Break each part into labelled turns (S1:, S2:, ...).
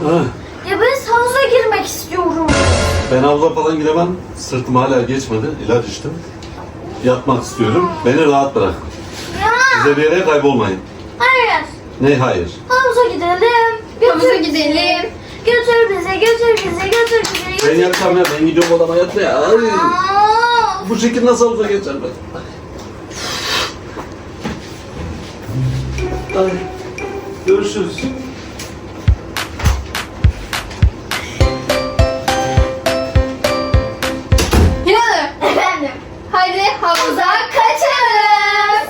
S1: Ha.
S2: Ya ben havuza girmek istiyorum.
S1: Ben havuza falan giremem. Sırtım hala geçmedi. İlaç içtim. Yatmak istiyorum. Beni rahat bırak.
S2: Ya.
S1: Size bir yere kaybolmayın.
S2: Hayır.
S1: Ne hayır?
S2: Havuza gidelim.
S3: Havuza gidelim.
S2: Götür bize, götür bize, götür bize.
S1: Ben yatacağım ya. Ben gidiyorum odama yatmaya. Ay.
S2: Aa,
S1: Bu şekilde nasıl havuza geçer ben? Ay. Görüşürüz.
S3: Hilal'ım.
S2: efendim.
S3: Hadi havuza kaçalım.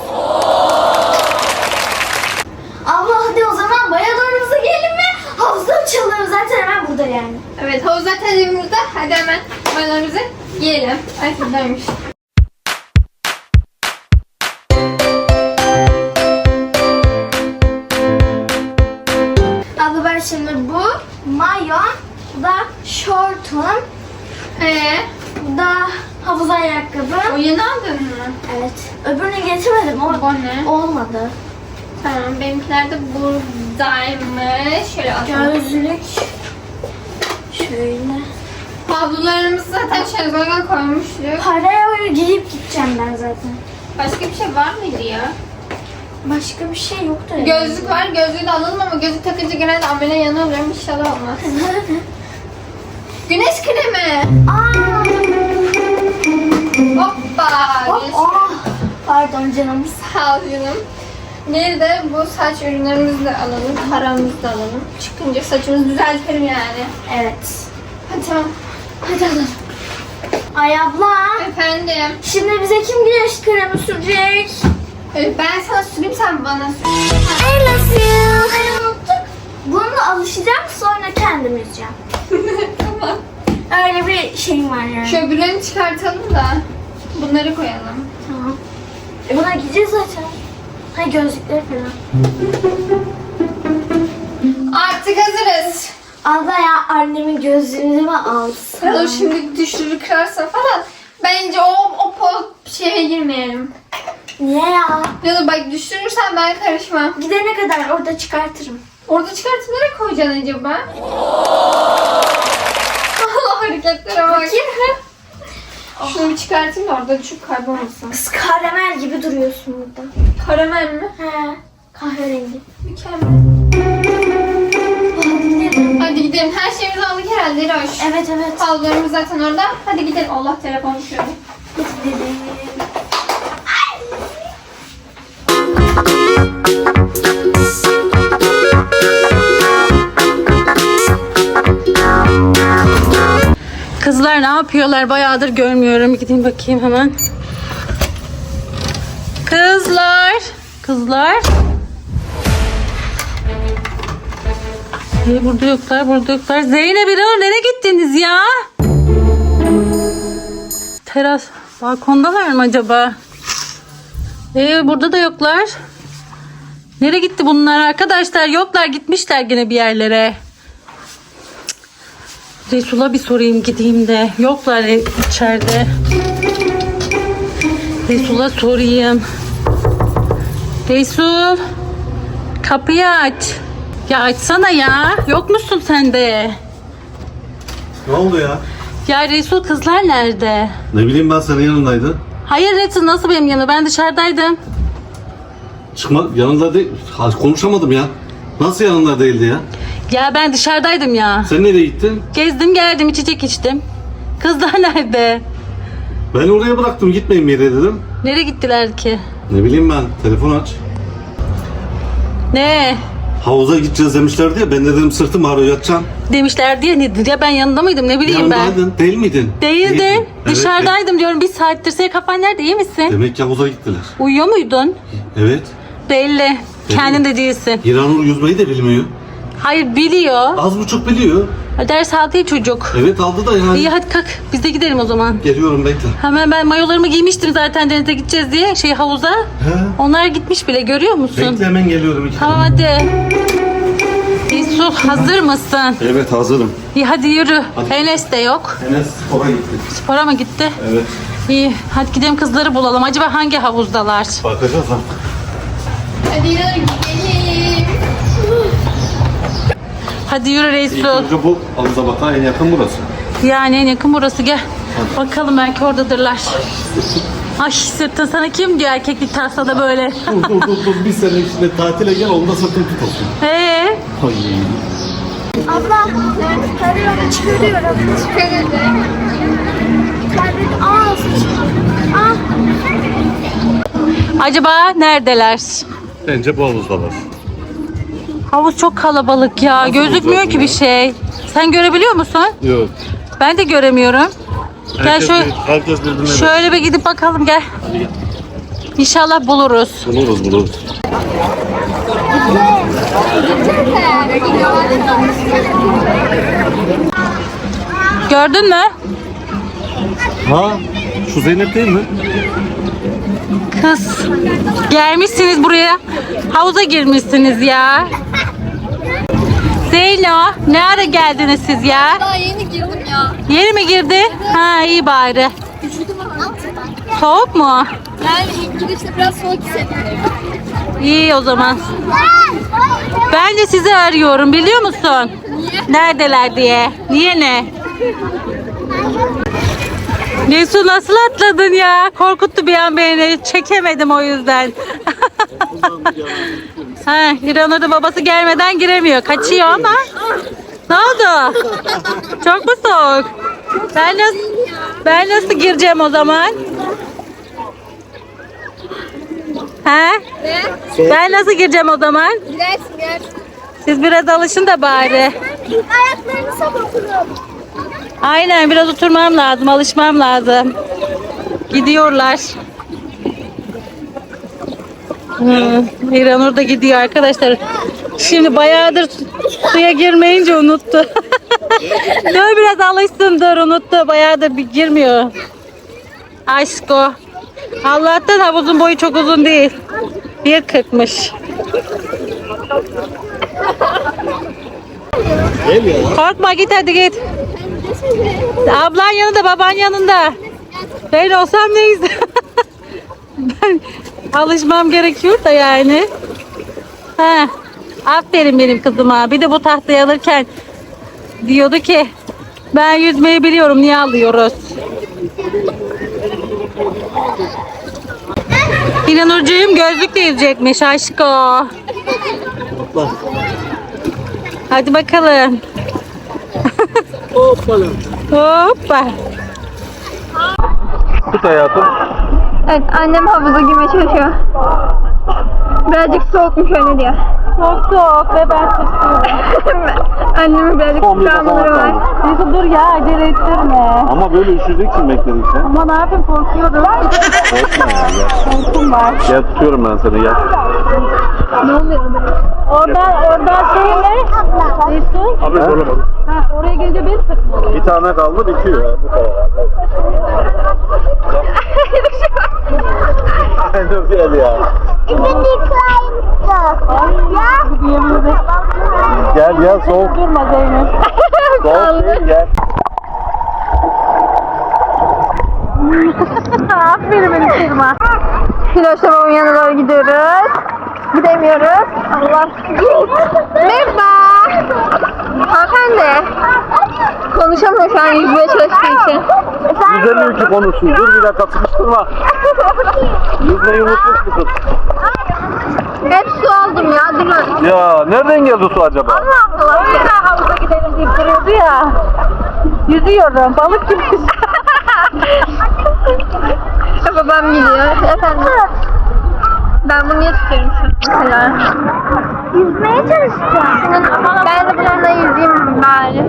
S2: Abla hadi o zaman bayalarımıza gelin ve havuzda uçalım. Zaten hemen burada yani.
S3: Evet, havuz zaten evimizde. Hadi hemen mayolarımızı giyelim. Ay buradaymış.
S2: Abla ben şimdi bu mayon, bu da şortum, bu da havuz ayakkabım.
S3: O yeni aldın mı?
S2: Evet. Öbürünü getirmedim ama
S3: Bu ne?
S2: olmadı.
S3: Tamam, benimkiler de buradaymış. Şöyle atalım.
S2: Gözlük. Şöyle.
S3: Havlularımızı zaten şezlonga koymuştuk.
S2: Paraya giyip gideceğim ben zaten.
S3: Başka bir şey var mıydı ya?
S2: Başka bir şey yoktu.
S3: Gözlük var. Gözlüğü de alalım ama gözlük takınca genelde amele yanıyorum. İnşallah olmaz. Güneş kremi.
S2: Aa!
S3: Hoppa.
S2: Hop,
S3: Güneş
S2: oh. Pardon canım.
S3: Sağ ol canım. Bir de bu saç ürünlerimizi de alalım. Paramızı da alalım. Çıkınca saçımızı düzeltelim yani.
S2: Evet.
S3: Hadi tamam.
S2: Hadi alalım. Ay abla.
S3: Efendim.
S2: Şimdi bize kim güneş kremi sürecek?
S3: Ben sana süreyim, sen bana sür.
S2: I love you. Ay unuttuk. Bununla alışacağım sonra kendim yüzeceğim.
S3: Tamam.
S2: Öyle bir şeyim var yani.
S3: Şu öbürlerini çıkartalım da bunları koyalım.
S2: Tamam. Buna gideceğiz zaten. Hay gözlükleri falan.
S3: Artık hazırız.
S2: Abla ya annemin gözlüğünü mi alsın?
S3: Dur şimdi düşürür kırarsa falan. Bence o şeye girmeyelim.
S2: Niye ya?
S3: Ya da bak düşürürsen ben karışmam.
S2: Gidene kadar orada çıkartırım.
S3: Orada çıkartıp nereye koyacaksın acaba? Allah hareketlere bak. Şunu bir çıkartayım da orada düşüp kaybolmasın.
S2: Kız karamel gibi duruyorsun burada.
S3: Karamel mi?
S2: He. Kahverengi.
S3: Mükemmel.
S2: Hadi gidelim.
S3: Hadi gidelim. Her şeyimizi aldık herhalde Roş.
S2: Evet evet.
S3: Havlularımız zaten orada. Hadi gidelim. Allah telefon düşürdü.
S2: Hadi gidelim.
S4: Kızlar ne yapıyorlar? Bayağıdır görmüyorum. Gideyim bakayım hemen. Kızlar. Kızlar. Burada yoklar, burada yoklar. Zeynep, İranur nereye gittiniz ya? Teras, balkondalar mı acaba? Burada da yoklar. Nereye gitti bunlar arkadaşlar? Yoklar, gitmişler gene bir yerlere. Resul'a bir sorayım gideyim de. Yoklar içeride. Resul'a sorayım. Resul. Kapıyı aç. Ya açsana ya. Yok musun sen de?
S1: Ne oldu ya?
S4: Ya Resul, kızlar nerede?
S1: Ne bileyim ben senin yanındaydın.
S4: Hayır Resul, nasıl benim yanımda? Ben dışarıdaydım.
S1: Çıkma yanında değil. Konuşamadım ya. Nasıl yanında değildi ya?
S4: Ya ben dışarıdaydım ya.
S1: Sen nereye gittin?
S4: Gezdim geldim, içecek içtim. Kızlar nerede?
S1: Ben oraya bıraktım, gitmeyin bir yere dedim.
S4: Nereye gittiler ki?
S1: Ne bileyim ben, telefon aç.
S4: Ne?
S1: Havuza gideceğiz demişlerdi ya, ben de dedim sırtım ağrıyor, yatacağım.
S4: Demişler diye nedir ya, ben yanında mıydım, ne bileyim ben.
S1: Yanındaydın, değil miydin?
S4: Değildim.
S1: Değildin. Evet,
S4: Dışarıdaydım diyorum bir saattir. Senin kafan nerede, iyi misin?
S1: Demek ki havuza gittiler.
S4: Uyuyor muydun?
S1: Evet.
S4: Belli. Kendin de değilsin.
S1: İranur yüzmeyi de bilmiyor.
S4: Hayır, biliyor.
S1: Az buçuk biliyor.
S4: Ders aldı ya çocuk.
S1: Evet aldı da yani.
S4: İyi hadi kalk, biz de gidelim o zaman.
S1: Geliyorum, bekle.
S4: Hemen ben mayolarımı giymiştim zaten denize gideceğiz diye havuza.
S1: He.
S4: Onlar gitmiş bile, görüyor musun?
S1: Bekle, hemen geliyorum.
S4: Tamam hadi. Resul, hazır mısın?
S1: Evet, hazırım.
S4: İyi hadi yürü.
S1: Hadi.
S4: Enes de yok.
S1: Enes spora gitti.
S4: Spora mı gitti?
S1: Evet.
S4: İyi hadi gidelim, kızları bulalım. Acaba hangi havuzdalar?
S1: Bakacağız ha.
S3: Hadi gidelim.
S4: Hadi yürü
S1: İlk
S4: Resul.
S1: önce bu havuza bakan en yakın burası.
S4: Yani en yakın burası, gel. Bakalım belki oradadırlar. Ay sırtın sana kim diyor erkeklik tasada böyle.
S1: Dur. Bir sene içinde tatile gel, onda sırtın tut olsun.
S4: Ay.
S2: Abla tarıyorum, çıkarıyorum.
S3: Çıkaralım.
S2: Kaybet. Aa sıçıyor.
S4: Acaba neredeler?
S1: Bence bu havuzdalar.
S4: Havuz çok kalabalık ya.
S1: Nasıl
S4: Gözükmüyor
S1: olacak
S4: ki
S1: bu
S4: bir
S1: ya?
S4: şey. Sen görebiliyor musun?
S1: Yok.
S4: Ben de göremiyorum. Gel şöyle,
S1: Herkes birbirine
S4: şöyle bir gidip bakalım gel.
S1: Hadi gel.
S4: İnşallah buluruz.
S1: Buluruz.
S4: Gördün mü?
S1: Ha, şu Zeynep değil mi?
S4: Kız. Gelmişsiniz buraya. Havuza girmişsiniz ya. Zeyno, ne ara geldiniz siz ya?
S3: Daha yeni girdim ya.
S4: Yeni mi girdi? Ha iyi bari.
S3: Üşüdüm ama.
S4: Soğuk mu?
S3: Yani ilk girişte biraz soğuk hissettim.
S4: İyi o zaman. Ben de sizi arıyorum, biliyor musun?
S3: Niye?
S4: Neredeler diye. Niye ne? Nesu nasıl atladın ya? Korkuttu bir an beni. Çekemedim o yüzden. Ha, İranur da babası gelmeden giremiyor. Kaçıyor ama. Ne oldu? Çok mu soğuk? Ben nasıl gireceğim o zaman? Ha?
S3: Ne?
S4: Ben nasıl gireceğim o zaman?
S3: Girersin gel.
S4: Siz biraz alışın da bari.
S2: Ayaklarını sabatıyorum.
S4: Aynen, biraz oturmam lazım, alışmam lazım. Gidiyorlar. İranur da gidiyor arkadaşlar. Şimdi bayağıdır suya girmeyince unuttu. Dur biraz alışsın, dur unuttu. Bayağıdır bir girmiyor. Aşko. Allah'tan havuzun boyu çok uzun değil. 1.40'mış.
S1: Gel ya.
S4: Korkma, git hadi git. Ablan yanında, baban yanında. Ben olsam neyse. Ben alışmam gerekiyor da yani. Ha, aferin benim kızıma. Bir de bu tahtayı alırken diyordu ki ben yüzmeyi biliyorum, niye alıyoruz? İnanurcuğum gözlükle yüzecekmiş aşko. Hadi bakalım.
S1: Hoppala.
S4: Hoppa.
S1: Tut hayatım.
S3: Evet annem havuza girmeye çalışıyor. Birazcık soğukmuş öyle diyor.
S4: Çok soğuk ve ben çok soğuğum.
S3: Annemin birazcık
S1: Son bir
S3: travmaları
S1: defa
S3: var.
S1: kaldı.
S4: Neyse dur ya, acele ettirme.
S1: Ama böyle üşüyeceksin bekledikçe.
S4: Ama ne yapayım, korkuyorum.
S1: Korkma ya, gel.
S4: Korkum var.
S1: Gel tutuyorum ben seni, gel.
S3: Ne oluyor?
S4: Oradan şey ne? Resul.
S1: Abi soramadım.
S4: Ha, oraya gelince bir sıkma oluyor.
S1: Bir tane kaldı, bitiyor ya. Bu kadar. Aynen gel ya. Gel soğuk.
S4: Durma Zeynep.
S1: Soğuk değil, gel.
S4: Aferin benim kızıma.
S3: Filoş'la babamın yanına doğru gidiyoruz. Gidemiyoruz. Allah. Merhaba. Hanımefendi. Konuşamıyor şu an yüzmeye çalıştığı için.
S1: Yüzemiyor ki konuşsun. Dur bir dakika, sıkıştırma. Yüzmeyi unutmuş bu kız.
S3: Hep su aldım ya. Durun.
S1: Ya nereden geldi su acaba?
S3: Allah Allah.
S4: O yüzden havuza gidelim deyip duruyordu ya. Yüzüyorum. Balık gibi.
S3: Babam gidiyor. Efendim. Ben bunu niye tutuyorum şu an mesela?
S2: Yüzmeye çalışacağım.
S3: Ben de bununla yüzeyim bari.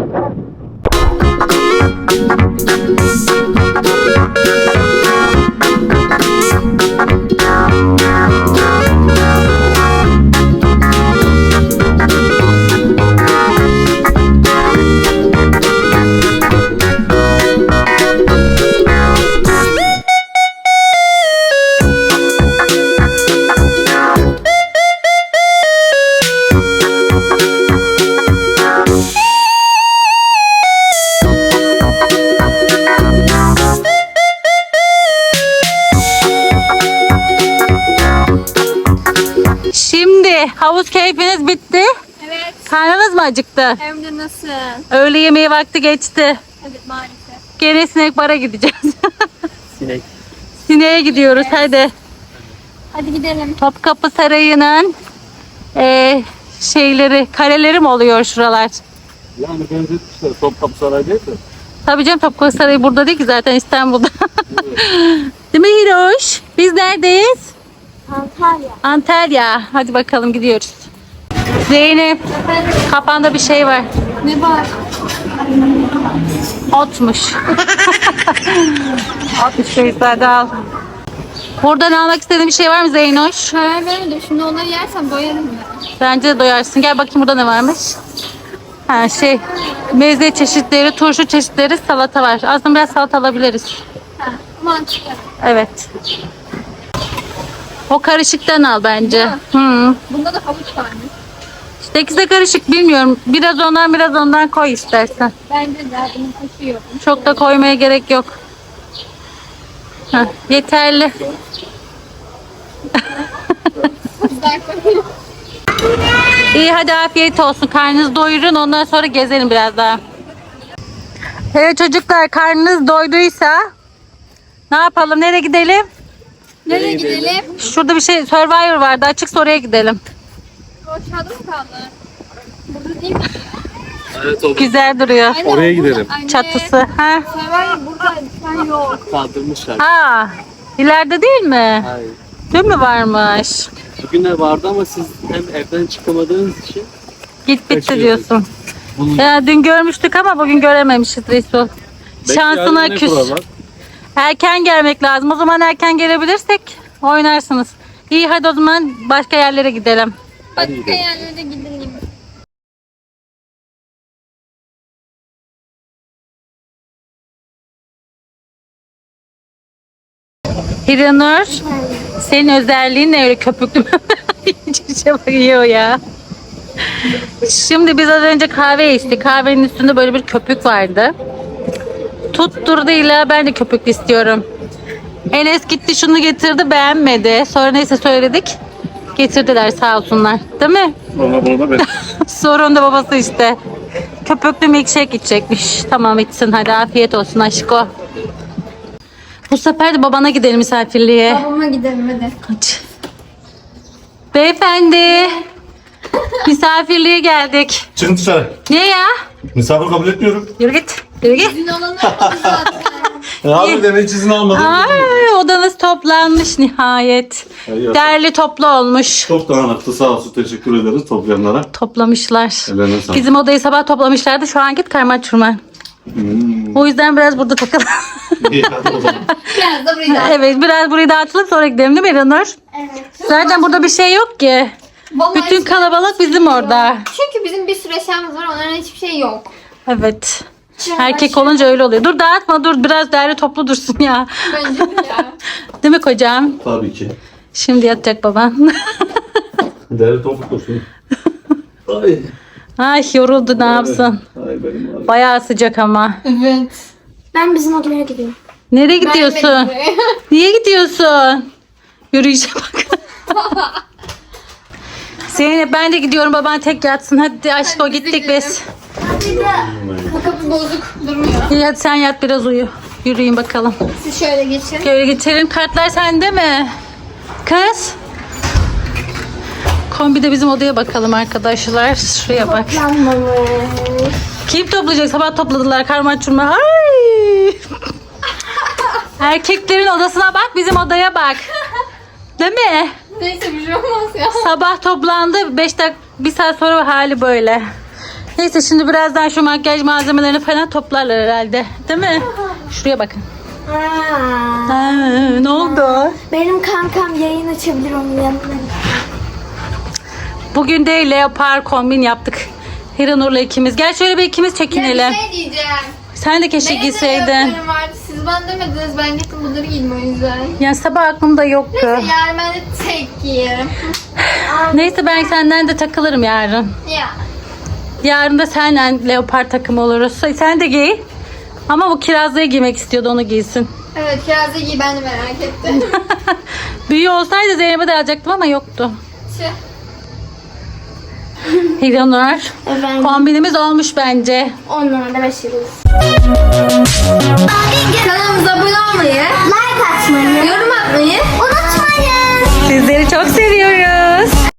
S4: Şimdi havuz keyfiniz bitti.
S3: Evet.
S4: Karnınız mı acıktı?
S3: Hem de nasıl?
S4: Öğle yemeği vakti geçti.
S3: Evet maalesef.
S4: Gene sinek bara gideceğiz.
S5: Sinek.
S4: Sineğe gidiyoruz hadi.
S3: Hadi gidelim.
S4: Topkapı Sarayı'nın şeyleri, kaleleri mi oluyor şuralar?
S1: Yani benzetmişler. Topkapı Sarayı değil mi?
S4: Tabii canım, Topkapı Sarayı burada değil ki zaten, İstanbul'da. Değil mi Hiroş? Biz neredeyiz?
S2: Antalya.
S4: Antalya. Hadi bakalım gidiyoruz. Zeynep, kafanda bir şey var.
S3: Ne var?
S4: Otmuş. Otmuş Beyza'da al. Buradan almak istediğin bir şey var mı Zeynoş?
S3: Karar veremedim. Şimdi onları yersem doyarım ben.
S4: Bence de doyarsın. Gel bakayım burada ne varmış. Ha meze çeşitleri, turşu çeşitleri, salata var. Aslında biraz salata alabiliriz.
S3: Ha, mantıklı.
S4: Evet. O karışıktan al bence. Hı.
S3: Bunda da havuç var mı?
S4: İşte ikisi de karışık, bilmiyorum. Biraz ondan koy istersen.
S3: Bence de bunun taşı yok.
S4: Çok da koymaya gerek yok. Heh, yeterli.
S3: Güzel koyayım.
S4: İyi hadi afiyet olsun. Karnınızı doyurun, ondan sonra gezelim biraz daha. Evet çocuklar, karnınız doyduysa ne yapalım? Nereye gidelim?
S3: Nereye gidelim?
S4: Şurada bir şey, Survivor vardı. Açıksa oraya gidelim.
S3: O aşağıda mı kaldı? Burada değil mi?
S5: Evet o
S4: Güzel duruyor.
S3: Anne,
S1: Oraya
S3: o burada.
S1: gidelim.
S3: Anne,
S4: Çatısı. Ha?
S3: Survivor burada. Sen yok.
S5: kaldırmışlar.
S4: Aa, ileride değil mi?
S5: Hayır.
S4: Dün mü varmış?
S5: Bugün de vardı ama siz hem evden çıkamadığınız için
S4: Git bitti
S5: Kaçıyor.
S4: diyorsun.
S5: bunu
S4: Ya dün görmüştük ama bugün görememişiz Resul. Şansına küs. Erken gelmek lazım. O zaman erken gelebilirsek oynarsınız. İyi hadi o zaman başka yerlere gidelim.
S3: Başka yerlere gidelim.
S4: Hiranur, senin özelliğin ne öyle köpüklü? Çiçeğe bakıyor ya. Şimdi biz az önce kahve içtik. Kahvenin üstünde böyle bir köpük vardı. Tutturdu, illa ben de köpüklü istiyorum. Enes gitti şunu getirdi, beğenmedi. Sonra neyse söyledik. Getirdiler sağ olsunlar. Değil mi?
S1: Valla bunu da ben.
S4: Sorun da babası işte. Köpüklü milkshake içecekmiş. Tamam içsin hadi, afiyet olsun aşko. Bu sefer de babana gidelim misafirliğe.
S3: Babama gidelim hadi.
S4: Hadi. Beyefendi. Misafirliğe geldik.
S1: Çıkın dışarı.
S4: Ne ya?
S1: Misafir kabul etmiyorum.
S4: Yürü git. Yürü git.
S3: Gün olanı yaptık zaten.
S1: Abi de hiç izin almadım.
S4: Ay, odanız toplanmış nihayet.
S1: Ay,
S4: Derli toplu olmuş.
S1: Çok dağınıktı, sağ olsun, teşekkür ederiz toplayanlara.
S4: Toplamışlar.
S1: Ellerine sağlık.
S4: Bizim odayı sabah toplamışlardı. Şu an git karma çurma. O yüzden biraz burada takalım.
S1: İyi hadi o zaman.
S3: Biraz da burayı da.
S4: Evet, biraz burayı dağıtılıp sonra gidelim değil mi İranur?
S2: Evet.
S4: Zaten burada bir şey yok ki.
S3: Vallahi
S4: Bütün
S3: hiç-
S4: kalabalık bizim orada.
S3: Çünkü bizim bir sürü eşyamız var. Onların hiçbir şey yok.
S4: Evet. Erkek olunca öyle oluyor. Dur dağıtma, dur biraz derli toplu dursun ya.
S3: Bence de ya.
S4: Değil mi kocam?
S1: Tabii ki.
S4: Şimdi yatacak baban.
S1: Değerli topuk olsun. Ay.
S4: Ay yoruldu, ne yapsın?
S1: Ay benim abi.
S4: Bayağı sıcak ama.
S3: Evet.
S2: Ben bizim odaya gidiyorum.
S4: Nereye gidiyorsun?
S3: Beğenmedim.
S4: Niye gidiyorsun? Yürüyüşe bak. Zeynep ben de gidiyorum, baban tek yatsın. Hadi aşko
S3: biz de
S4: gittik
S3: gidelim.
S4: biz.
S3: Bu kapı bozuk durmuyor.
S4: İyi hadi sen yat biraz uyu. Yürüyün bakalım.
S3: Siz şöyle geçin.
S4: Şöyle geçelim. Kartlar sende mi? Kız. Kombide bizim odaya bakalım arkadaşlar. Şuraya bak.
S2: Yanmamış.
S4: Kim toplayacak? Sabah topladılar karma çurma. Ay. Erkeklerin odasına bak, bizim odaya bak. Değil mi?
S3: Neyse bir şey olmaz ya.
S4: Sabah toplandı. 5 dakika, 1 saat sonra hali böyle. Neyse şimdi birazdan şu makyaj malzemelerini falan toplarlar herhalde. Değil mi? Şuraya bakın.
S2: Aa,
S4: Ne oldu?
S2: benim kankam yayın açabilir onun yanına.
S4: Bugün de leopar kombin yaptık. Hiranur'la ikimiz. Gel şöyle bir ikimiz
S3: Ya
S4: çekinelim.
S3: bir şey diyeceğim.
S4: Sen de keşke
S3: Benim de
S4: giyseydin.
S3: yapılarım vardı. Siz bana demediniz. Ben gittim bunları giydim o yüzden.
S4: Ya sabah aklımda yoktu.
S3: Neyse yarın ben de tek giyerim.
S4: Neyse ben senden de takılırım yarın.
S3: Ya.
S4: Yarın da senle leopar takımı oluruz. Sen de giy. Ama bu kirazlığı giymek istiyordu, onu giysin.
S3: Evet kirazı giy, ben de merak ettim.
S4: Büyüğü olsaydı Zeynep'e de alacaktım ama yoktu.
S3: Şey.
S4: Hiranur.
S2: Efendim.
S4: Kombinimiz olmuş bence.
S2: 10 numarada 5 yıldız.
S3: Kanalımıza abone olmayı,
S2: Like atmayı
S3: yorum atmayı
S2: unutmayın.
S4: Sizleri çok seviyorum.